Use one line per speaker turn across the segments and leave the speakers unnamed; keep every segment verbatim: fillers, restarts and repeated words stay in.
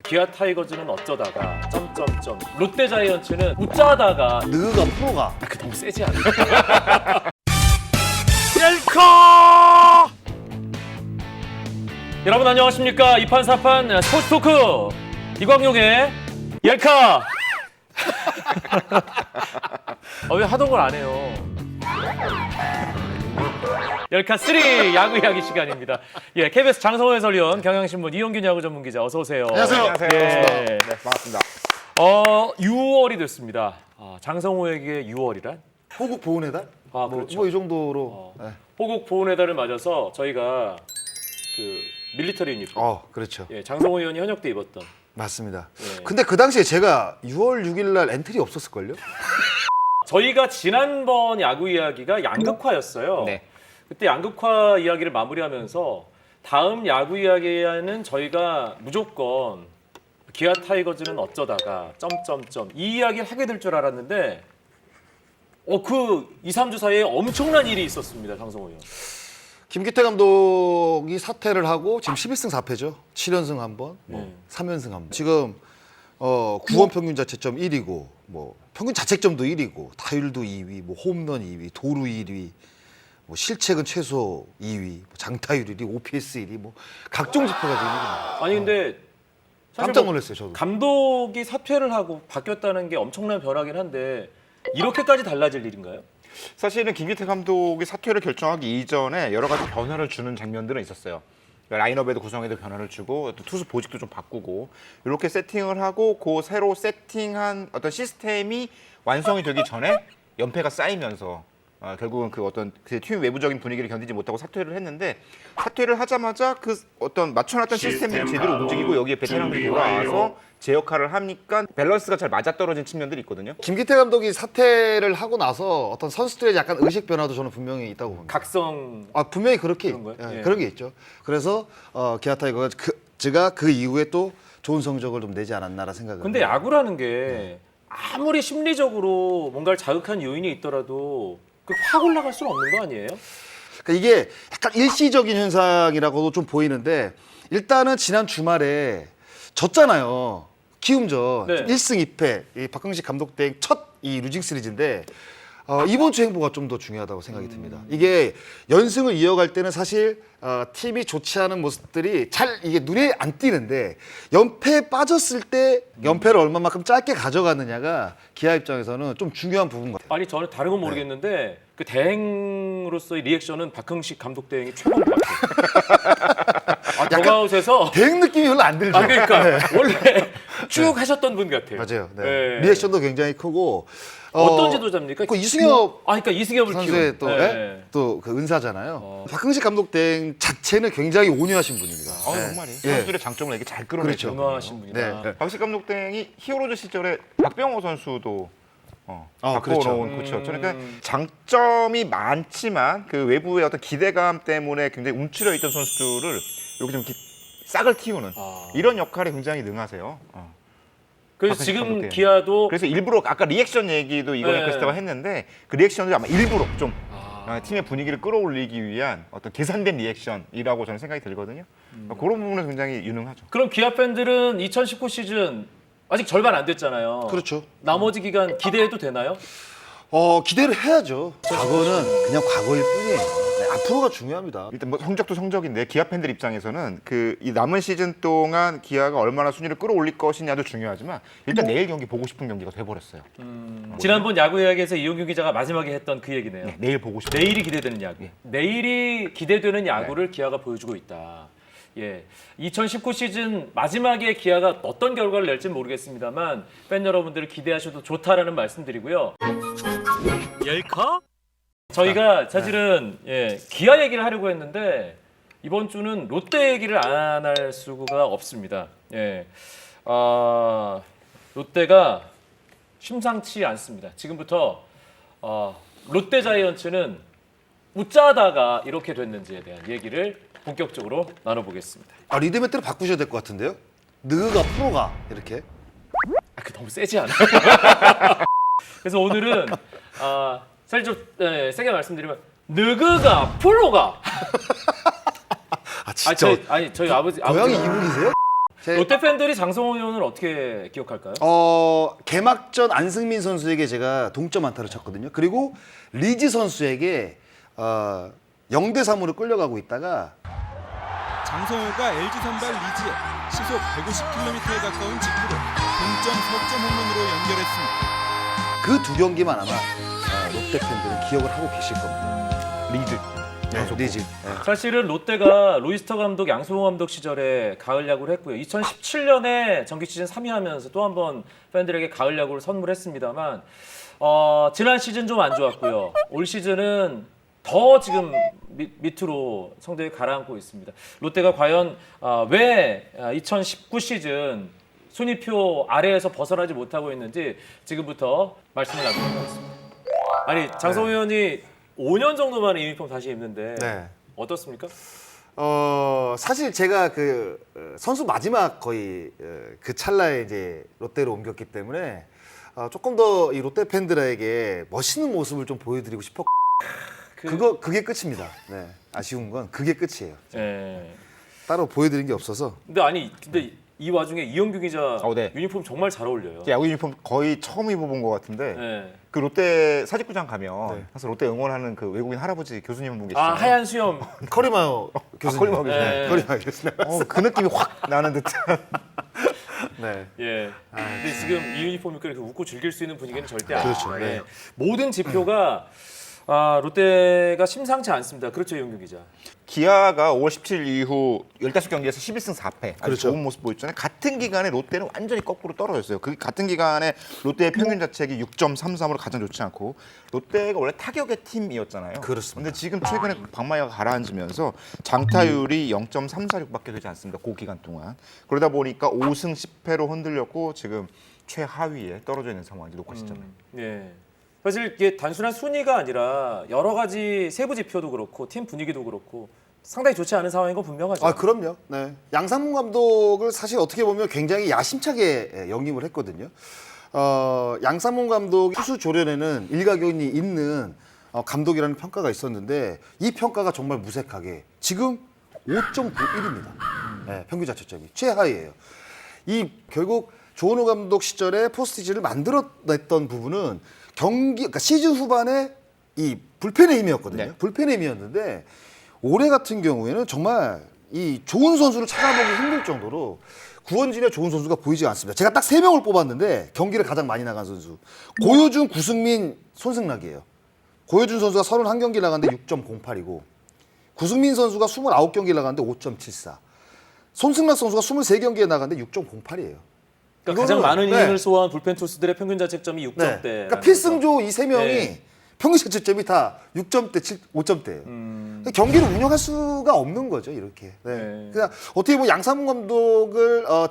기아 타이거즈는 어쩌다가 점점점 롯데 자이언츠는 웃자다가
느가 프로가
아, 그 너무 세지 않나?
셀카
여러분 안녕하십니까? 이판사판 스포츠 토크 이광용의 옐카. 아, 왜 하던 걸 안 해요? 옐카 삼 야구 이야기 시간입니다. 예, 케이비에스 장성호 해설위원, 경향신문 이용균 야구 전문기자 어서 오세요.
안녕하세요.
안녕하세요.
예.
네, 반갑습니다.
어, 유월이 됐습니다. 아, 장성호에게 유월이란?
호국 보훈의 달?
아, 그렇죠.
뭐 이 정도로.
어.
네.
호국 보훈의 달을 맞아서 저희가 그 밀리터리 유니폼,
어, 그렇죠.
예, 장성호 의원이 현역 때 입었던.
맞습니다.
예.
근데 그 당시에 제가 유월 육일 날 엔트리 없었을걸요?
저희가 지난번 야구 이야기가 양극화였어요.
네.
그때 양극화 이야기를 마무리하면서 다음 야구 이야기에는 저희가 무조건 기아 타이거즈는 어쩌다가 점점점 이 이야기를 하게 될 줄 알았는데 어, 그 이, 삼 주 사이에 엄청난 일이 있었습니다. 장성호 의원.
김기태 감독이 사퇴를 하고 지금 십일 승 사 패죠. 칠 연승 한 번, 뭐
네.
삼 연승 한 번. 지금 어, 구원 평균 자책점 일 위고 뭐 평균 자책점도 일 위고 타율도 이 위, 뭐 홈런 이 위, 도루 일 위, 뭐 실책은 최소 이 위, 뭐 장타율 일 위, 오피에스 일 위, 뭐 각종 지표가 지금 일 위입니다.
아니 근데 사실
깜짝
뭐
놀랐어요, 저도.
감독이 사퇴를 하고 바뀌었다는 게 엄청난 변화긴 한데 이렇게까지 달라질 일인가요?
사실은 김기태 감독이 사퇴를 결정하기 이전에 여러 가지 변화를 주는 장면들은 있었어요. 라인업에도 구성에도 변화를 주고 또 투수 보직도 좀 바꾸고 이렇게 세팅을 하고 그 새로 세팅한 어떤 시스템이 완성이 되기 전에 연패가 쌓이면서 어, 결국은 그 어떤 그 팀 외부적인 분위기를 견디지 못하고 사퇴를 했는데 사퇴를 하자마자 그 어떤 맞춰놨던 시스템이 제대로 움직이고 여기에 베테랑들이 돌아와서 제 역할을 하니까 밸런스가 잘 맞아떨어진 측면들이 있거든요.
김기태 감독이 사퇴를 하고 나서 어떤 선수들의 약간 의식 변화도 저는 분명히 있다고 봅니다.
각성.
아 분명히 그렇게
그런 거예요?
예,
예.
그런 게 있죠. 그래서 어, 기아 타이거가 그, 제가 그 이후에 또 좋은 성적을 좀 내지 않았나라 생각을.
근데
해요.
야구라는 게 아무리 심리적으로 뭔가를 자극한 요인이 있더라도 그 확 올라갈 수는 없는 거 아니에요?
그러니까 이게 약간 일시적인 현상이라고도 좀 보이는데 일단은 지난 주말에 졌잖아요. 키움전
네.
일 승 이 패 이 박흥식 감독 대 첫 이 루징 시리즈인데 어, 이번 주 행보가 좀 더 중요하다고 생각이 듭니다. 이게 연승을 이어갈 때는 사실 어, 팀이 좋지 않은 모습들이 잘 이게 눈에 안 띄는데 연패에 빠졌을 때 연패를 얼마만큼 짧게 가져가느냐가 기아 입장에서는 좀 중요한 부분 같아요.
아니 저는 다른 건 모르겠는데 그 대행으로서의 리액션은 박흥식 감독 대행이 최고인 것 같아요. 아, 더가웃에서
대응 느낌이 별로 안 들죠.
아 그러니까
네.
원래 쭉 하셨던 분 같아요.
맞아요. 네.
네.
리액션도 굉장히 크고
어떤 지도자입니까?
그 이승엽
아 그러니까 이승엽을
선수의
키운.
또
네.
또그 은사잖아요.
어.
박흥식 감독 대 자체는 굉장히 온유하신 분입니다.
아,
네.
정말이
예.
선수들의 장점을 이렇게 잘 끌어내죠.
그렇죠.
유명하신 분이다.
네.
박식 감독 땡이 히어로즈 시절에 박병호 선수도 어,
아,
바꿔놓은
그렇죠.
코치였죠.
음.
그러니까 장점이 많지만 그 외부의 어떤 기대감 때문에 굉장히 움츠려 있던 선수들을 이렇게 좀 이렇게 싹을 틔우는
아.
이런 역할에 굉장히 능하세요. 어.
그래서
박흥식
지금
감독 대행.
기아도
그래서 일부러 아까 리액션 얘기도 이거는
네.
크리스타가 했는데 그 리액션을 아마 일부러 좀
아.
어, 팀의 분위기를 끌어올리기 위한 어떤 계산된 리액션이라고 저는 생각이 들거든요.
음.
어, 그런 부분은 굉장히 유능하죠.
그럼 기아 팬들은 이천십구 시즌 아직 절반 안 됐잖아요.
그렇죠.
나머지 기간 기대해도 되나요?
어 기대를 해야죠. 과거는 그냥 과거일 뿐이에요. 네, 앞으로가 중요합니다.
일단 뭐 성적도 성적인데 기아 팬들 입장에서는 그 이 남은 시즌 동안 기아가 얼마나 순위를 끌어올릴 것이냐도 중요하지만 일단 내일 경기 보고 싶은 경기가 돼버렸어요.
지난번 야구 이야기에서 이용규 기자가 마지막에 했던 그 얘기네요.
네, 내일 보고 싶은.
내일이 기대되는 야구. 내일이 기대되는 야구를 기아가 보여주고 있다. 예, 이천십구 시즌 마지막에 기아가 어떤 결과를 낼지는 모르겠습니다만 팬 여러분들을 기대하셔도 좋다라는 말씀드리고요. 열카? 저희가 사실은 예, 기아 얘기를 하려고 했는데 이번 주는 롯데 얘기를 안 할 수가 없습니다. 예, 아, 롯데가 심상치 않습니다. 지금부터 어, 롯데 자이언츠는 웃자다가 이렇게 됐는지에 대한 얘기를 본격적으로 나눠보겠습니다.
아 리드 멘트를 바꾸셔야 될 것 같은데요. 느가 프로가 이렇게.
아, 그 너무 세지 않아요? 그래서 오늘은 아, 사실 좀 네, 세게 말씀드리면 느그가 프로가
아
아,
진짜.
저희, 아니 저희 아버지
고양이
아버지
이북이세요? 제-
롯데 팬들이 장성호 의원을 어떻게 기억할까요?
어, 개막전 안승민 선수에게 제가 동점 안타를 쳤거든요. 그리고 리즈 선수에게 어, 영 대 삼으로 끌려가고 있다가
장성호가 엘지 선발 리즈에 시속 백오십 킬로미터에 가까운 직구로 동점 석점 홈런으로 연결했습니다.
그 두 경기만 아마 아, 롯데 팬들은 기억을 하고 계실 겁니다.
리즈.
네, 리즈. 네.
사실은 롯데가 로이스터 감독, 양승호 감독 시절에 가을 야구를 했고요. 이천십칠 년에 정기 시즌 삼 위 하면서 또 한 번 팬들에게 가을 야구를 선물했습니다만 어, 지난 시즌 좀 안 좋았고요. 올 시즌은 더 지금 밑, 밑으로 성적이 가라앉고 있습니다. 롯데가 과연 어, 왜 어, 이천십구 시즌 순위표 아래에서 벗어나지 못하고 있는지 지금부터 말씀을 나누도록 하겠습니다. 아니 장성호 의원이 오 년 정도 만에 유니폼 다시 입는데
네.
어떻습니까?
어, 사실 제가 그 어, 선수 마지막 거의 어, 그 찰나에 이제 롯데로 옮겼기 때문에 어, 조금 더 이 롯데 팬들에게 멋있는 모습을 좀 보여드리고 싶었고
그,
그거 그게 끝입니다. 네. 아쉬운 건 그게 끝이에요.
예.
따로 보여드린 게 없어서.
근데 아니 근데 이 와중에 이영규 기자
어, 네.
유니폼 정말 잘 어울려요.
야구 유니폼 거의 처음 입어본 것 같은데
예.
그 롯데 사직구장 가면
네.
항상 롯데 응원하는 그 외국인 할아버지 교수님 한 분 계시잖아요.
아 하얀 수염.
커리마요 교수님.
커리마요 교수님.
네.
커리마요 교수님.
어, 그 느낌이 확 나는 듯한.
네.
예. 근데 지금 이 유니폼 입고 이렇게 웃고 즐길 수 있는 분위기는 절대
그렇죠.
아니에요.
네.
모든 지표가 아, 롯데가 심상치 않습니다. 그렇죠, 이영규 기자.
기아가 오월 십칠일 이후 십오 경기에서 십일 승 사 패 아주
그렇죠.
좋은 모습 보였잖아요. 같은 기간에 롯데는 완전히 거꾸로 떨어졌어요. 그 같은 기간에 롯데의 평균 자책이 육 점 삼삼으로 가장 좋지 않고 롯데가 원래 타격의 팀이었잖아요.
그렇습니다.
근데 지금 최근에 박마이가 가라앉으면서 장타율이 영 점 삼사육밖에 되지 않습니다. 그 기간 동안. 그러다 보니까 오 승 십 패로 흔들렸고 지금 최하위에 떨어져 있는 상황이 녹화 시점에.
음, 예. 사실 이게 단순한 순위가 아니라 여러 가지 세부 지표도 그렇고 팀 분위기도 그렇고 상당히 좋지 않은 상황인 건 분명하죠.
아 그럼요. 네. 양상문 감독을 사실 어떻게 보면 굉장히 야심차게 영입을 했거든요. 어, 양상문 감독 투수 조련에는 일가견이 있는 어, 감독이라는 평가가 있었는데 이 평가가 정말 무색하게 지금 오 점 구일입니다. 네, 평균 자책점이 최하위예요. 이 결국 조은호 감독 시절에 포스트시즌을 만들어냈던 부분은 경기, 그러니까 시즌 후반에 이 불펜의 힘이었거든요.
네.
불펜의 힘이었는데 올해 같은 경우에는 정말 이 좋은 선수를 찾아보기 힘들 정도로 구원진의 좋은 선수가 보이지 않습니다. 제가 딱 세 명을 뽑았는데 경기를 가장 많이 나간 선수 고효준, 구승민, 손승락이에요. 고효준 선수가 삼십일 경기 나갔는데 육 점 공팔이고 구승민 선수가 이십구 경기 나갔는데 오 점 칠사. 손승락 선수가 이십삼 경기에 나갔는데 육 점 공팔이에요.
그러니까 가장
이거는-
많은
네.
이닝을 소화한 불펜 투수들의 평균 자책점이 육 점대.
그러니까 필승조 이 세 명이
네.
평균 자책점이 다 육 점대, 오 점대예요.
음.
경기를 운영할 수가 없는 거죠, 이렇게. 네.
네.
그냥 어떻게 보면 양상문 감독을 어,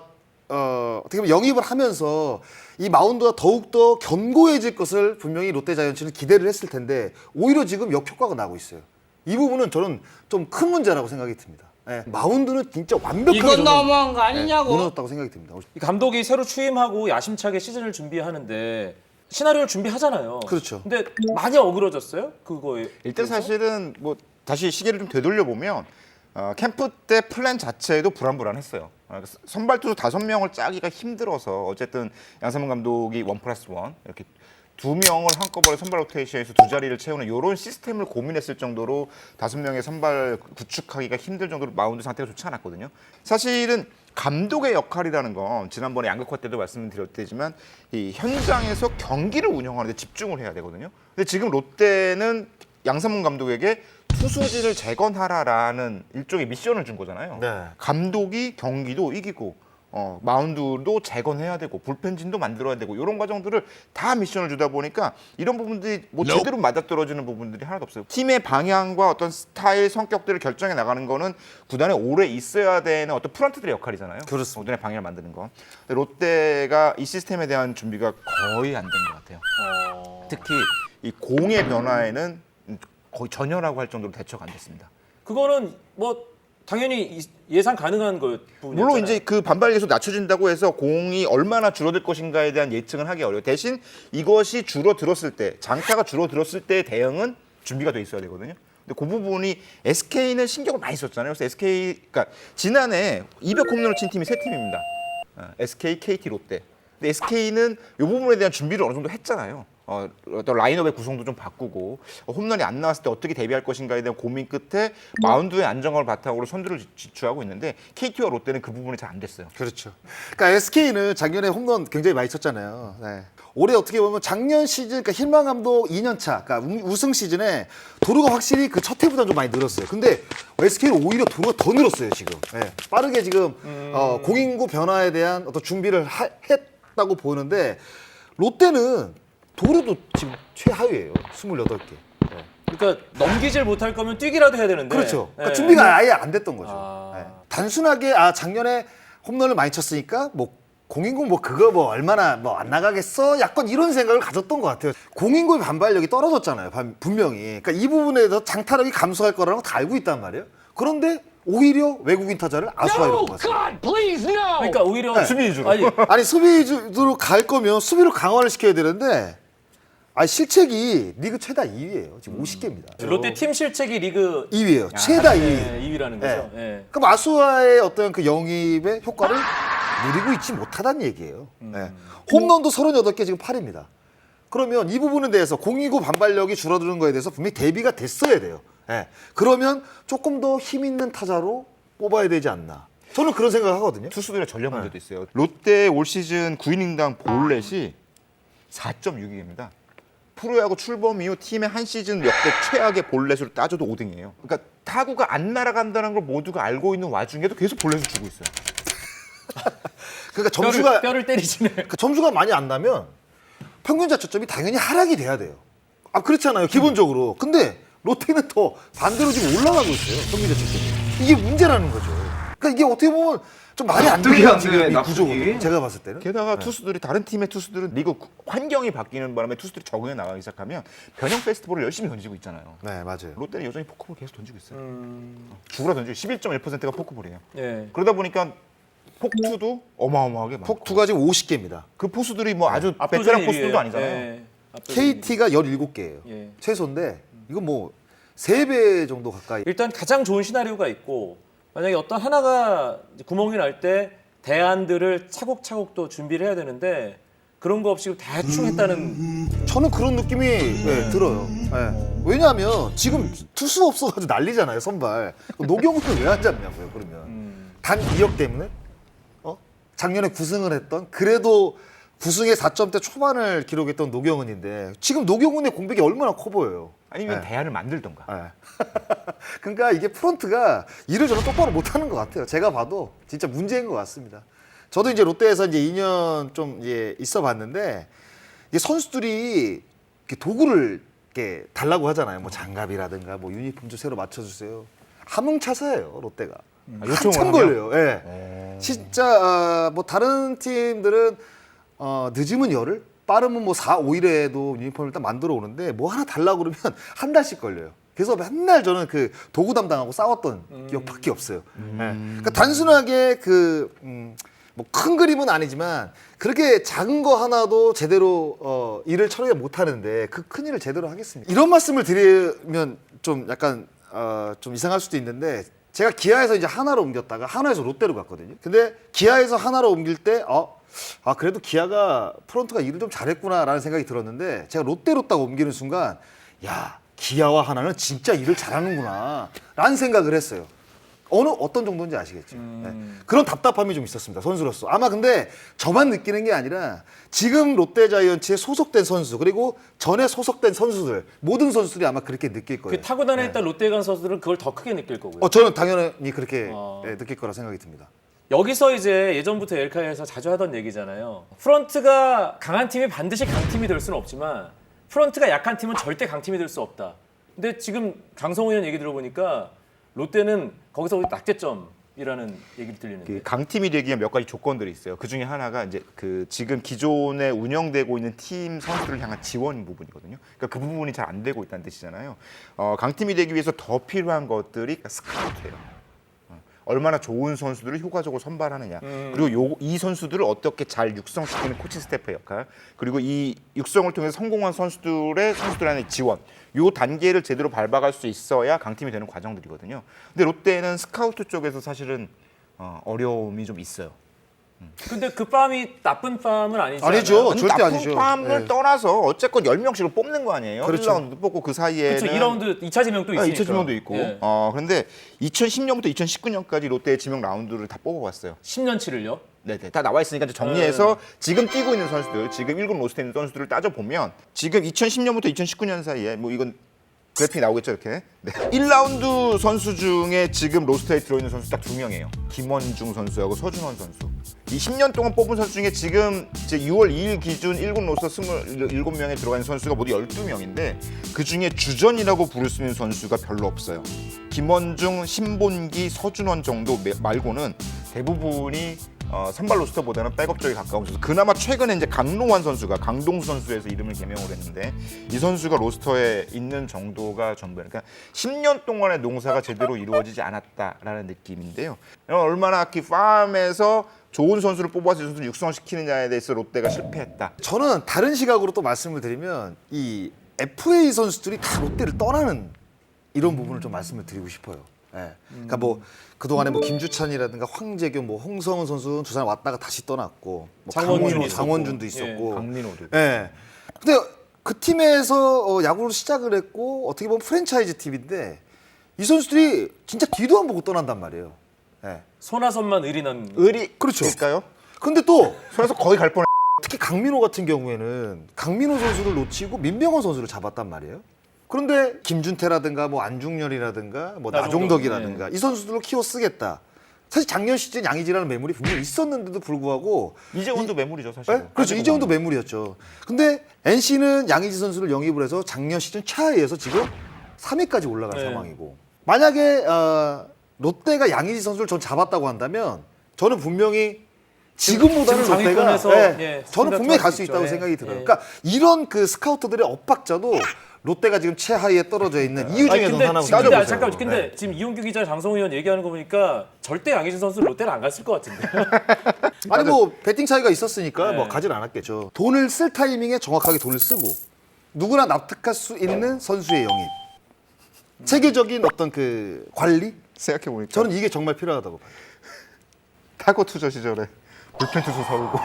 어, 어떻게 보면 영입을 하면서 이 마운드가 더욱더 견고해질 것을 분명히 롯데 자이언츠는 기대를 했을 텐데 오히려 지금 역효과가 나고 있어요. 이 부분은 저는 좀 큰 문제라고 생각이 듭니다. 네. 마운드는 진짜 완벽하게
이건
저는,
너무한 거
네,
아니냐고.
무너졌다고 생각이 듭니다.
이 감독이 새로 취임하고 야심차게 시즌을 준비하는데 시나리오를 준비하잖아요.
그렇죠.
근데 많이 어그러졌어요? 그거에.
일단 사실은 뭐 다시 시계를 좀 되돌려 보면 어, 캠프 때 플랜 자체도 불안불안했어요. 어, 선발 투수 다섯 명을 짜기가 힘들어서 어쨌든 양상문 감독이 원 플러스 원 이렇게 두 명을 한꺼번에 선발 로테이션에서 두 자리를 채우는 이런 시스템을 고민했을 정도로 다섯 명의 선발 구축하기가 힘들 정도로 마운드 상태가 좋지 않았거든요. 사실은 감독의 역할이라는 건 지난번에 양극화 때도 말씀드렸지만 이 현장에서 경기를 운영하는 데 집중을 해야 되거든요. 근데 지금 롯데는 양상문 감독에게 투수진을 재건하라라는 일종의 미션을 준 거잖아요.
네.
감독이 경기도 이기고 어, 마운드도 재건해야 되고 불펜진도 만들어야 되고 이런 과정들을 다 미션을 주다 보니까 이런 부분들이 뭐 제대로 맞아떨어지는 부분들이 하나도 없어요. 팀의 방향과 어떤 스타일, 성격들을 결정해 나가는 거는 구단에 오래 있어야 되는 어떤 프런트들의 역할이잖아요.
그렇습니다.
구단의 방향을 만드는 거. 근데 롯데가 이 시스템에 대한 준비가 거의 안 된 것 같아요.
어...
특히 이 공의 변화에는 거의 전혀라고 할 정도로 대처가 안 됐습니다.
그거는 뭐 당연히 이- 예상 가능한 거 부분이잖아요.
물론 이제 그 반발 계속 낮춰진다고 해서 공이 얼마나 줄어들 것인가에 대한 예측은 하기 어려워요. 대신 이것이 줄어들었을 때, 장타가 줄어들었을 때의 대응은 준비가 돼 있어야 되거든요. 근데 그 부분이 에스케이는 신경을 많이 썼잖아요. 그래서 에스케이, 그러니까 지난해 이백 홈런을 친 팀이 세 팀입니다. 어, 에스케이, 케이티, 롯데. 근데 에스케이는 이 부분에 대한 준비를 어느 정도 했잖아요. 어, 어떤 라인업의 구성도 좀 바꾸고 어, 홈런이 안 나왔을 때 어떻게 대비할 것인가에 대한 고민 끝에 마운드의 안정감을 바탕으로 선두를 지- 지추하고 있는데 케이티와 롯데는 그 부분이 잘 안 됐어요.
그렇죠. 그러니까 에스케이는 작년에 홈런 굉장히 많이 쳤잖아요. 네. 올해 어떻게 보면 작년 시즌, 그러니까 힐만 감독 이 년 차, 그러니까 우- 우승 시즌에 도루가 확실히 그 첫 해보다 좀 많이 늘었어요. 근데 에스케이는 오히려 도루가 더 늘었어요 지금. 네. 빠르게 지금 어, 공인구 변화에 대한 어떤 준비를 하, 했다고 보이는데 롯데는 도루도 지금 최하위예요. 스물여덟 개. 네.
그러니까 넘기질 못할 거면 뛰기라도 해야 되는데.
그렇죠. 그러니까
예.
준비가 아예 안 됐던 거죠.
아.
네. 단순하게 아 작년에 홈런을 많이 쳤으니까 뭐 공인구 뭐 그거 뭐 얼마나 뭐 안 나가겠어? 약간 이런 생각을 가졌던 것 같아요. 공인구의 반발력이 떨어졌잖아요. 반- 분명히. 그러니까 이 부분에서 장타력이 감소할 거라는 거 다 알고 있단 말이에요. 그런데 오히려 외국인 타자를 아수아이로 뽑았어요.
그러니까 오히려
네.
수비 위주로.
아니,
아니 수비주로 갈 거면 수비로 강화를 시켜야 되는데 아 실책이 리그 최다 이 위예요. 지금 오십 개입니다.
롯데 팀 실책이 리그
이 위예요. 최다 이 위.
네, 이 위라는 거죠. 예.
그럼 아수아의 어떤 그 영입의 효과를 누리고 있지 못하다는 얘기예요. 네. 홈런도 서른여덟 개 지금 팔입니다. 그러면 이 부분에 대해서 공이구 반발력이 줄어드는 거에 대해서 분명히 대비가 됐어야 돼요. 네. 그러면 조금 더 힘 있는 타자로 뽑아야 되지 않나. 저는 그런 생각을 하거든요.
투수들의 전력 문제도 있어요. 롯데 올 시즌 구 이닝당 볼넷이 사 점 육 위입니다. 프로야구 출범 이후 팀의 한 시즌 역대 최악의 볼넷으로 따져도 오 등이에요. 그러니까 타구가 안 날아간다는 걸 모두가 알고 있는 와중에도 계속 볼넷을 주고 있어요.
그러니까
뼈를,
점수가
뼈를 때리시네.
그 점수가 많이 안 나면 평균 자책점이 당연히 하락이 돼야 돼요. 아 그렇잖아요, 기본적으로. 근데 롯데는 더 반대로 지금 올라가고 있어요, 평균 자책점이. 이게 문제라는 거죠. 그러니까 이게 어떻게 보면 좀 말이 안
납득이
돼요,
안 돼,
지금 이
납득이.
구조가. 제가 봤을 때는.
게다가 투수들이 다른 팀의 투수들은 리그 환경이 바뀌는 바람에 투수들이 적응해 나가기 시작하면 변형 페스티벌을 열심히 던지고 있잖아요.
네, 맞아요.
롯데는 여전히 포크볼 계속 던지고 있어요. 죽으라 던지고 십일 점 일 퍼센트가 포크볼이에요.
예.
그러다 보니까 폭투도 어마어마하게 많고
폭투가 지금 오십 개입니다.
그 포수들이 뭐 아주
압도적인
베테랑
일 위예요.
포수들도 아니잖아요.
예. 압도적인 일 위.
케이티가 열일곱 개예요.
예.
최소인데 이건 뭐 세 배 정도 가까이.
일단 가장 좋은 시나리오가 있고 만약에 어떤 하나가 이제 구멍이 날 때 대안들을 차곡차곡 또 준비를 해야 되는데 그런 거 없이 대충 했다는
저는 그런 느낌이 네, 들어요. 네. 왜냐하면 지금 투수 없어가지고 난리잖아요, 선발. 노경훈은 왜 안 잡냐고요, 그러면.
음.
단 이 억 때문에? 어? 작년에 구승을 했던 그래도 구승의 사 점대 초반을 기록했던 노경훈인데 지금 노경훈의 공백이 얼마나 커 보여요.
아니면
네.
대안을 만들던가.
네. 그러니까 이게 프론트가 일을 저는 똑바로 못하는 것 같아요. 제가 봐도 진짜 문제인 것 같습니다. 저도 이제 롯데에서 이제 이 년 좀 이제 있어봤는데 이게 선수들이 이렇게 도구를 이렇게 달라고 하잖아요. 뭐 장갑이라든가 뭐 유니폼 좀 새로 맞춰주세요. 함흥차사예요, 롯데가.
아, 요청을
한참
하면?
걸려요. 예. 진짜 어, 뭐 다른 팀들은 어, 늦으면 열흘, 빠르면 뭐 사, 오 일에도 유니폼을 일단 만들어 오는데 뭐 하나 달라고 그러면 한 달씩 걸려요. 그래서 맨날 저는 그 도구 담당하고 싸웠던 기억밖에 없어요. 예. 그러니까 단순하게 그 음, 뭐 큰 그림은 아니지만 그렇게 작은 거 하나도 제대로 어, 일을 처리 못 하는데 그 큰 일을 제대로 하겠습니다. 이런 말씀을 드리면 좀 약간 어, 좀 이상할 수도 있는데 제가 기아에서 이제 하나로 옮겼다가 하나에서 롯데로 갔거든요. 근데 기아에서 하나로 옮길 때 어, 아 그래도 기아가 프론트가 일을 좀 잘했구나라는 생각이 들었는데 제가 롯데로 딱 옮기는 순간 야 기아와 하나는 진짜 일을 잘하는구나 라는 생각을 했어요. 어느 어떤 정도인지 아시겠죠. 네. 그런 답답함이 좀 있었습니다, 선수로서. 아마 근데 저만 느끼는 게 아니라 지금 롯데자이언츠에 소속된 선수 그리고 전에 소속된 선수들 모든 선수들이 아마 그렇게 느낄 거예요.
그 타고난에 있던 롯데에 간 선수들은 그걸 더 크게 느낄 거고요.
어, 저는 당연히 그렇게
어.
네, 느낄 거라 생각이 듭니다.
여기서 이제 예전부터 엘카에서 자주 하던 얘기잖아요. 프런트가 강한 팀이 반드시 강팀이 될 수는 없지만 프런트가 약한 팀은 절대 강팀이 될 수 없다. 근데 지금 강성호 의원 얘기 들어보니까 롯데는 거기서 낙제점이라는 얘기를 들리는데.
그 강팀이 되기 위한 몇 가지 조건들이 있어요. 그 중에 하나가 이제 그 지금 기존에 운영되고 있는 팀 선수를 향한 지원 부분이거든요. 그러니까 그 부분이 잘 안 되고 있다는 뜻이잖아요. 어, 강팀이 되기 위해서 더 필요한 것들이 스카우트예요. 얼마나 좋은 선수들을 효과적으로 선발하느냐.
음.
그리고 요, 이 선수들을 어떻게 잘 육성시키는 코칭 스태프의 역할. 그리고 이 육성을 통해서 성공한 선수들의 선수들한테 지원. 요 단계를 제대로 밟아갈 수 있어야 강팀이 되는 과정들이거든요. 근데 롯데는 스카우트 쪽에서 사실은 어, 어려움이 좀 있어요.
근데 그 팜이 나쁜 팜은 아니지
아니죠.
않아요?
아니,
절대
나쁜
아니죠.
팜을
네.
떠나서 어쨌건 열 명씩을 뽑는 거 아니에요?
그렇죠.
일 라운드 뽑고 그 사이에는
그렇죠. 이 라운드 이 차 지명도 있으니까.
이 차 지명도 있고.
예.
어, 그런데 이천십 년부터 이천십구 년까지 롯데의 지명 라운드를 다 뽑아봤어요.
십 년치를요?
네네, 다 나와 있으니까 이제 정리해서
네.
지금 뛰고 있는 선수들, 지금 일 군 로스트에 있는 선수들을 따져보면 지금 이천십 년부터 이천십구 년 사이에 뭐 이건 그래픽이 나오겠죠, 이렇게. 네. 일 라운드 선수 중에 지금 로스터에 들어있는 선수 딱 두 명이에요. 김원중 선수하고 서준원 선수. 이 십 년 동안 뽑은 선수 중에 지금 이제 유월 이일 기준 일 군 로스터 이십칠 명에 들어가 있는 선수가 모두 열두 명인데 그 중에 주전이라고 부를 수 있는 선수가 별로 없어요. 김원중, 신본기, 서준원 정도 말고는 대부분이 어, 선발 로스터보다는 백업 쪽에 가까운 선수. 그나마 최근에 이제 강로환 선수가 강동수 선수에서 이름을 개명을 했는데 이 선수가 로스터에 있는 정도가 전부예요. 그러니까 십 년 동안의 농사가 제대로 이루어지지 않았다라는 느낌인데요. 얼마나 그 팜에서 좋은 선수를 뽑아서 이 선수를 육성시키느냐에 대해서 롯데가 실패했다.
저는 다른 시각으로 또 말씀을 드리면 이 에프에이 선수들이 다 롯데를 떠나는 이런 부분을 좀 말씀을 드리고 싶어요. 예. 그러니까 뭐 그동안에 뭐 김주찬이라든가 황재규, 뭐 홍성은 선수 두 사람 왔다가 다시 떠났고 뭐
장원준
강민호,
있었고.
장원준도
예,
있었고.
강민호도.
예. 근데 그 팀에서 어, 야구를 시작을 했고 어떻게 보면 프랜차이즈 팀인데 이 선수들이 진짜 뒤도 안 보고 떠난단 말이에요. 예.
손아섭만 의리난.
의리
그렇죠.
일까요?
근데 또
손에서 거의 갈 뻔.
특히 강민호 같은 경우에는 강민호 선수를 놓치고 민병헌 선수를 잡았단 말이에요. 그런데 김준태라든가 뭐 안중열이라든가 뭐
나종덕,
나종덕이라든가 이 선수들을 키워 쓰겠다. 사실 작년 시즌 양의지라는 매물이 분명히 있었는데도 불구하고
이재원도 매물이죠, 사실.
네? 그렇죠. 이재훈도 매물이었죠. 근데 엔씨는 양의지 선수를 영입을 해서 작년 시즌 최하위에서 지금 삼 위까지 올라간
네.
상황이고 만약에 어, 롯데가 양의지 선수를 전 잡았다고 한다면 저는 분명히 지금보다는
지금
롯데가
상위권에서,
네,
예,
저는 분명히 갈 수
있죠.
있다고
예.
생각이 들어요.
예.
그러니까 이런 그 스카우터들의 엇박자도 롯데가 지금 최하위에 떨어져 있는 이유
아니,
중에
근데
하나로
지금 근데
따져보세요.
아, 잠깐만. 근데
네.
지금 이용규 기자, 장성호 의원 얘기하는 거 보니까 절대 양희진 선수 롯데를 안 갔을 것 같은데.
아니 뭐 배팅 차이가 있었으니까
네.
뭐 가진 않았겠죠. 돈을 쓸 타이밍에 정확하게 돈을 쓰고 누구나 납득할 수 있는 선수의 영입, 체계적인 어떤 그 관리.
생각해 보니까
저는 이게 정말 필요하다고 봐요.
타고 투저 시절에 불펜 투수 사오고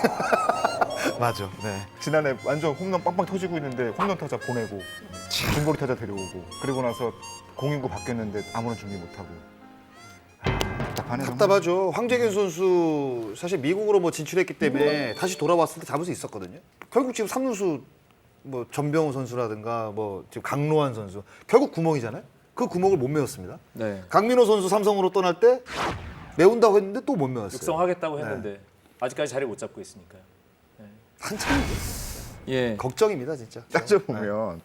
맞아. 네.
지난해 완전 홈런 빵빵 터지고 있는데 홈런 타자 보내고 중거리 타자 데려오고 그리고 나서 공인구 바뀌었는데 아무런 준비 못하고 아, 답답하네.
답답하죠. 황재균 선수 사실 미국으로 뭐 진출했기 때문에 다시 돌아왔을 때 잡을 수 있었거든요. 결국 지금 삼루수 뭐 전병우 선수라든가 뭐 지금 강로환 선수 결국 구멍이잖아요. 그 구멍을 못 메웠습니다.
네.
강민호 선수 삼성으로 떠날 때 메운다고 했는데 또 못 메웠어요.
육성하겠다고 했는데 아직까지 자리 못 잡고 있으니까요.
한참
예.
걱정입니다 진짜.
따져보면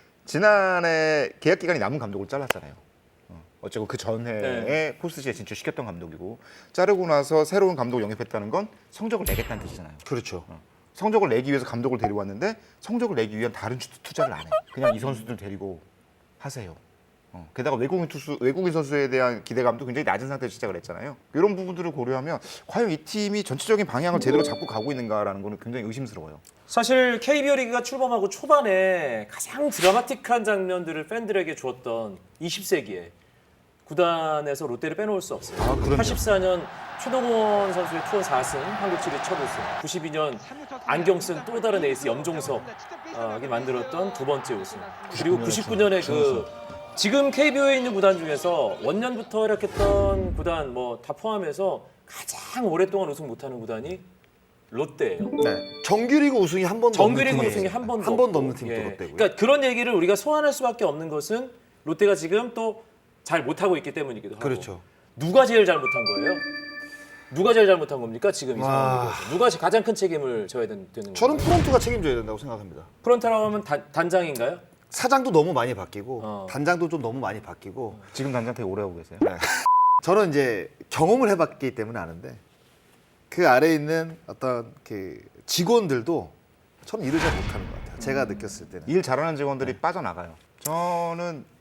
지난해 계약 기간이 남은 감독을 잘랐잖아요. 어, 어쨌고 그 전해에
네.
포스트시에 진출시켰던 감독이고 자르고 나서 새로운 감독을 영입했다는 건 성적을 내겠다는 뜻이잖아요.
그렇죠.
어, 성적을 내기 위해서 감독을 데려왔는데 성적을 내기 위한 다른 투- 투자를 안 해. 그냥 이 선수들 데리고 하세요. 어, 게다가 외국인 투수, 외국인 선수에 대한 기대감도 굉장히 낮은 상태에서 시작을 했잖아요. 이런 부분들을 고려하면 과연 이 팀이 전체적인 방향을 제대로 잡고 가고 있는가라는 거는 굉장히 의심스러워요.
사실 케이비오 리그가 출범하고 초반에 가장 드라마틱한 장면들을 팬들에게 주었던 이십 세기에 구단에서 롯데를 빼놓을 수 없어요.
아, 그럼요.
팔십사 년 최동원 선수의 투어 사 승, 한국 시리즈 첫 우승. 구십이 년 안경 쓴 또 다른 에이스 염종석이 만들었던 두 번째 우승. 그리고 구십구 년에 그 지금 케이비오에 있는 구단 중에서 원년부터 활약했던 구단 뭐 다 포함해서 가장 오랫동안 우승 못하는 구단이 롯데예요.
네. 정규리그 우승이 한 번도
정규리그
없는
우승이 한 번도
한 번도
없고.
없는 팀도
예.
롯데고요.
그러니까 그런 얘기를 우리가 소환할 수밖에 없는 것은 롯데가 지금 또 잘 못하고 있기 때문이기도 하고.
그렇죠.
누가 제일 잘못한 거예요? 누가 제일 잘못한 겁니까? 지금 이
와.
상황에서 누가 가장 큰 책임을 져야 되는 거예요?
저는 프론트가 책임져야 된다고 생각합니다.
프론트라고 하면 단, 단장인가요?
사장도 너무 많이 바뀌고
어.
단장도 좀 너무 많이 바뀌고
지금 단장 되게 오래 하고 계세요.
저는 이제 경험을 해봤기 때문에 아는데 그 아래에 있는 어떤 그 직원들도 저는 일을 잘 못하는 것 같아요. 제가 느꼈을 때는.
일 잘하는 직원들이 빠져나가요. 저는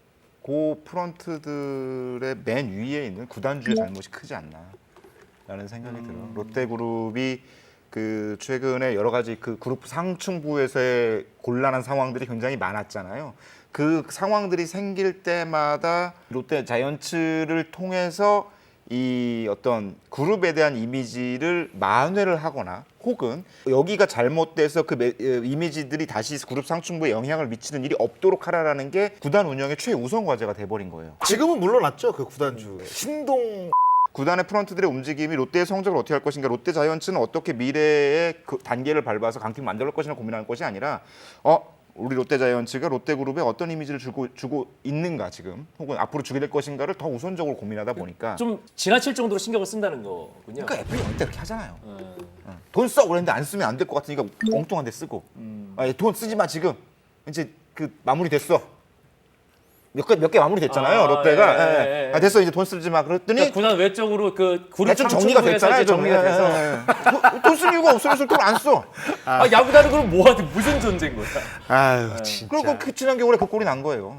그 프런트들의 맨 위에 있는 구단주의 잘못이 크지 않나라는 생각이 들어요. 롯데그룹이 그 최근에 여러 가지 그 그룹 상층부에서의 곤란한 상황들이 굉장히 많았잖아요. 그 상황들이 생길 때마다 롯데 자이언츠를 통해서 이 어떤 그룹에 대한 이미지를 만회를 하거나 혹은 여기가 잘못돼서 그 매- 이미지들이 다시 그룹 상층부에 영향을 미치는 일이 없도록 하라라는 게 구단 운영의 최우선 과제가 돼버린 거예요.
지금은 물러났죠 그 구단주 신동.
구단의 프런트들의 움직임이 롯데의 성적을 어떻게 할 것인가, 롯데 자이언츠는 어떻게 미래의 그 단계를 밟아서 강팀 만들 것이냐 고민하는 것이 아니라 어 우리 롯데 자이언츠가 롯데그룹에 어떤 이미지를 주고 주고 있는가 지금 혹은 앞으로 주게 될 것인가를 더 우선적으로 고민하다 보니까
좀 지나칠 정도로 신경을 쓴다는 거군요.
그러니까 애플이 원래 그렇게 하잖아요.
음.
어. 돈 써 그랬는데 안 쓰면 안 될 것 같으니까 엉뚱한 데 쓰고
음.
아, 돈 쓰지 마 지금 이제 그 마무리 됐어. 몇 개 몇 개 마무리 됐잖아요.
아,
롯데가
예,
예,
예,
예.
예.
아, 됐어 이제 돈 쓰지 마 그랬더니
그러니까 구단 외적으로 그 그룹
대충 정리가
상층부에서
됐잖아요.
이제 정리가
좀.
돼서
예, 예. 돈 쓸 이유가 없어. 그래서 돈 안 써.
아, 야구단은 그럼 뭐하든 무슨 전쟁 거야?
아유 진짜.
그리고 그 지난 겨울에 그 꼴이 난 거예요.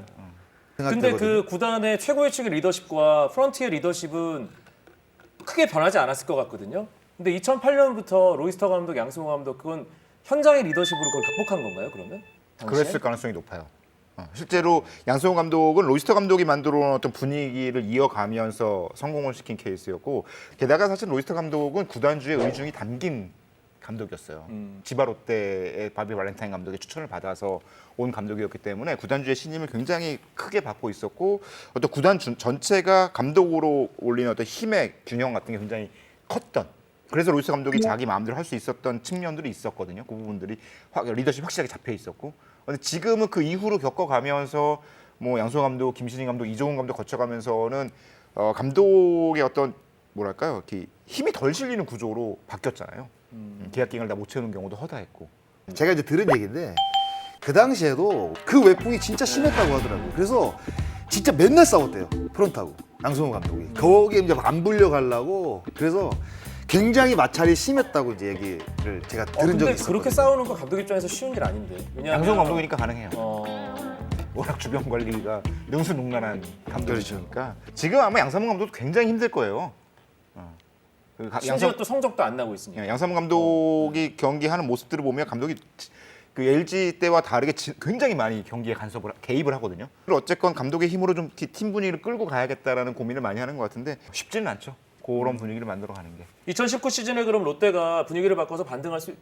근데 그 구단의 최고의 측의 리더십과 프런티의 리더십은 크게 변하지 않았을 것 같거든요. 근데 이천팔 년부터 로이스터 감독, 양승호 감독 그건 현장의 리더십으로 그걸 극복한 건가요? 그러면? 당시에?
그랬을 가능성이 높아요. 어, 실제로 양승호 감독은 로이스터 감독이 만들어 놓은 어떤 분위기를 이어가면서 성공을 시킨 케이스였고 게다가 사실 로이스터 감독은 구단주의 의중이 담긴 감독이었어요.
음.
지바 롯데의 바비 발렌타인 감독의 추천을 받아서 온 감독이었기 때문에 구단주의 신임을 굉장히 크게 받고 있었고 어떤 구단 준- 전체가 감독으로 올리는 어떤 힘의 균형 같은 게 굉장히 컸던 그래서 로이스 감독이 자기 마음대로 할 수 있었던 측면들이 있었거든요. 그 부분들이 확, 리더십 확실하게 잡혀 있었고 근데 지금은 그 이후로 겪어가면서 뭐 양승호 감독, 김신희 감독, 이종훈 감독 거쳐가면서는 어, 감독의 어떤 뭐랄까요, 이렇게 힘이 덜 실리는 구조로 바뀌었잖아요. 음, 계약 기간을 다 못 채우는 경우도 허다했고.
제가 이제 들은 얘기인데 그 당시에도 그 외풍이 진짜 심했다고 하더라고요. 그래서 진짜 맨날 싸웠대요 프론트하고 양승호 감독이. 거기에 이제 안 불려가려고 그래서 굉장히 마찰이 심했다고 이제 얘기를 제가
어,
들은
근데
적이 있어요.
그렇게 싸우는 거 감독 입장에서 쉬운 일 아닌데. 왜냐하면
양승호 감독이니까 가능해요.
어,
워낙 주변 관리가 능수능란한 감독이니까.
그렇죠.
지금 아마 양상문 감독도 굉장히 힘들 거예요. 어. 그 가-
심지어
양상-
또 성적도 안 나고 있으니까.
예, 양상문 감독이 경기하는 모습들을 보면 감독이 그 엘지 때와 다르게 지- 굉장히 많이 경기에 간섭을 하- 개입을 하거든요. 그리고 어쨌건 감독의 힘으로 좀 팀 분위기를 끌고 가야겠다라는 고민을 많이 하는 것 같은데 쉽지는 않죠. 그런 분위기를 만들어가는 게.
이천십구 시즌에 그럼 롯데가 분위기를 바꿔서 반등할 수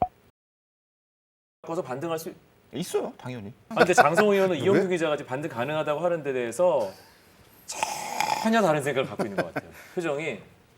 바꿔서 반등할 수
있어요, 당연히.
아, 근데 장성호 의원은
왜?
이용규 기자가 지금 반등 가능하다고 하는 데 대해서 전혀 다른 생각을 갖고 있는 것 같아요. 표정이.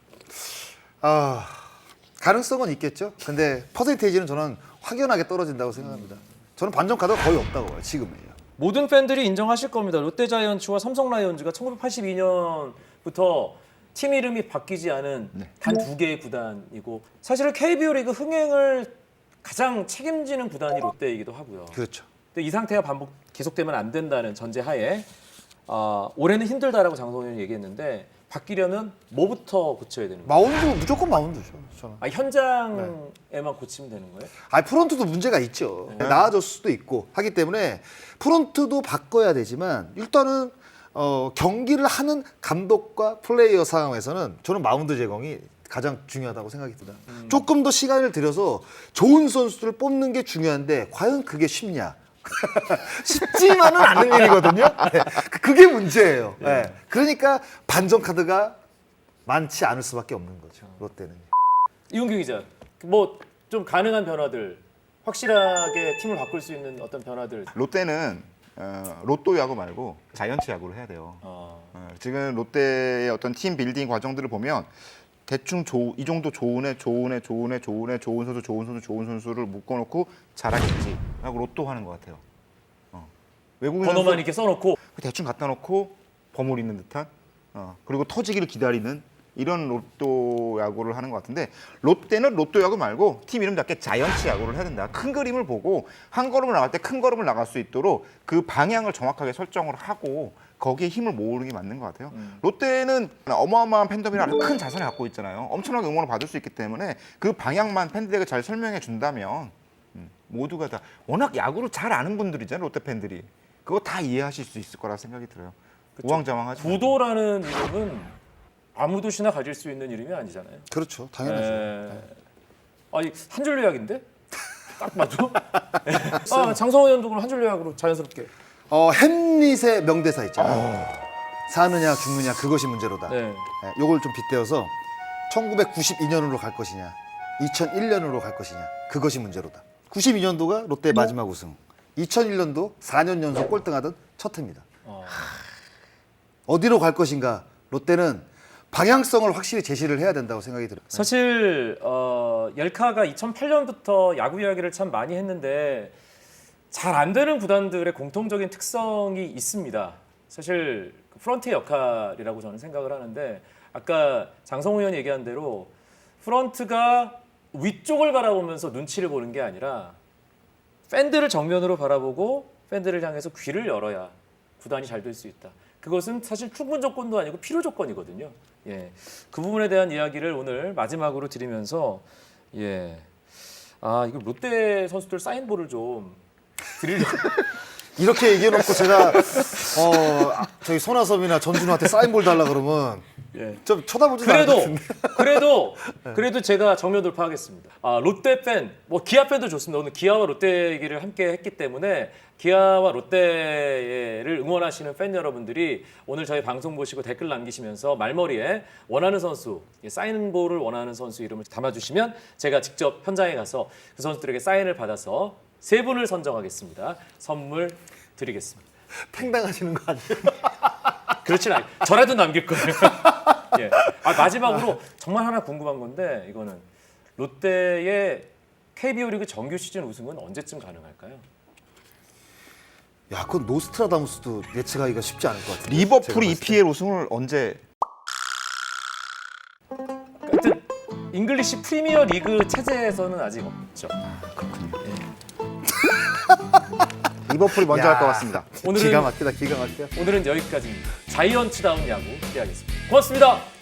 아 가능성은 있겠죠. 근데 퍼센테이지는 저는 확연하게 떨어진다고 생각합니다. 저는 반전 카드가 거의 없다고 봐요 지금은요.
모든 팬들이 인정하실 겁니다. 롯데자이언츠와 삼성 라이온즈가 천구백팔십이 년부터 팀 이름이 바뀌지 않은
네.
단 두 개의 구단이고 사실은 케이비오 리그 흥행을 가장 책임지는 구단이 롯데이기도 하고요.
그렇죠.
근데 이 상태가 반복 계속되면 안 된다는 전제하에 아, 올해는 힘들다라고 장성호 의원이 얘기했는데 바뀌려면 뭐부터 고쳐야 되는 거예요?
마운드 무조건 마운드죠. 저는.
아, 현장에만 고치면 되는 거예요?
아 프론트도 문제가 있죠. 나아졌을 수도 있고 하기 때문에 프론트도 바꿔야 되지만 일단은 어, 경기를 하는 감독과 플레이어 상황에서는 저는 마운드 제공이 가장 중요하다고 생각이 듭니다.
음.
조금 더 시간을 들여서 좋은 선수들을 뽑는 게 중요한데 과연 그게 쉽냐? 쉽지만은 않은 일이거든요. 네. 그게 문제예요. 네. 그러니까 반전 카드가 많지 않을 수밖에 없는 거죠. 롯데는.
이용규 기자, 뭐 좀 가능한 변화들, 확실하게 팀을 바꿀 수 있는 어떤 변화들.
롯데는 어, 로또 야구 말고 자이언츠 야구를 해야 돼요.
어,
어, 지금 롯데의 어떤 팀 빌딩 과정들을 보면 대충 조, 이 정도 좋은 애, 좋은 애, 좋은 애, 좋은 애, 좋은 선수, 좋은 선수, 좋은 선수를 묶어놓고 잘하겠지 하고 로또 하는 것 같아요. 어. 외국인
번호만
선수
이렇게 써놓고
대충 갖다 놓고 버무리는 듯한 어. 그리고 터지기를 기다리는 이런 로또 야구를 하는 것 같은데 롯데는 로또 야구 말고 팀 이름답게 자이언츠 야구를 해야 된다. 큰 그림을 보고 한 걸음을 나갈 때 큰 걸음을 나갈 수 있도록 그 방향을 정확하게 설정을 하고 거기에 힘을 모으는 게 맞는 것 같아요.
음.
롯데는 어마어마한 팬덤이랑 큰 자산을 갖고 있잖아요. 엄청나게 응원을 받을 수 있기 때문에 그 방향만 팬들에게 잘 설명해 준다면 음, 모두가 다 워낙 야구를 잘 아는 분들이잖아요. 롯데 팬들이. 그거 다 이해하실 수 있을 거라 생각이 들어요. 우왕좌왕하죠.
구도라는 이름은 아무 도시나 가질 수 있는 이름이 아니잖아요.
그렇죠. 당연하죠.
에... 아니 한 줄 요약인데? 딱 맞죠? 아, 장성호 의원도 그럼 한 줄 요약으로 자연스럽게.
어, 햄릿의 명대사 있잖아요. 사느냐 죽느냐 그것이 문제로다.
네.
네, 요걸 좀 빗대어서 천구백구십이 년으로 갈 것이냐 이천일 년으로 갈 것이냐 그것이 문제로다. 구십이 년도가 롯데의 마지막 우승, 이천일 년도 사 년 연속 꼴등하던 첫 해입니다.
어...
어디로 갈 것인가 롯데는 방향성을 확실히 제시를 해야 된다고 생각이 들어요.
사실 어, 옐카가 이천팔 년부터 야구 이야기를 참 많이 했는데 잘 안 되는 구단들의 공통적인 특성이 있습니다. 사실 그 프런트의 역할이라고 저는 생각을 하는데 아까 장성호 의원이 얘기한 대로 프런트가 위쪽을 바라보면서 눈치를 보는 게 아니라 팬들을 정면으로 바라보고 팬들을 향해서 귀를 열어야 구단이 잘 될 수 있다. 그것은 사실 충분 조건도 아니고 필요 조건이거든요. 예, 그 부분에 대한 이야기를 오늘 마지막으로 드리면서 예, 아 이거 롯데 선수들 사인볼을 좀 드리려고.
이렇게 얘기해놓고 제가 어, 저희 손아섭이나 전준우한테 사인볼 달라 그러면
예.
좀 쳐다보지도 않을 것
그래도
같은데.
그래도 그래도 제가 정면 돌파하겠습니다. 아 롯데 팬, 뭐 기아 팬도 좋습니다. 오늘 기아와 롯데 얘기를 함께 했기 때문에 기아와 롯데를 응원하시는 팬 여러분들이 오늘 저희 방송 보시고 댓글 남기시면서 말머리에 원하는 선수, 사인볼을 원하는 선수 이름을 담아주시면 제가 직접 현장에 가서 그 선수들에게 사인을 받아서 세 분을 선정하겠습니다. 선물 드리겠습니다.
팽당하시는 거 아니에요?
그렇진 않아요. 저라도 남길 거예요. 예. 아, 마지막으로 정말 하나 궁금한 건데 이거는 롯데의 케이비오 리그 정규 시즌 우승은 언제쯤 가능할까요?
야, 그건 노스트라다무스도 예측하기가 쉽지 않을 것 같아요.
리버풀 이피엘 우승을 언제?
하여튼 잉글리시 프리미어 리그 체제에서는 아직 없죠.
리버풀이 먼저 할 것 같습니다.
오늘은
기가 막히다, 기가 막혀.
오늘은 여기까지입니다. 자이언츠다운 야구 기대하겠습니다. 고맙습니다.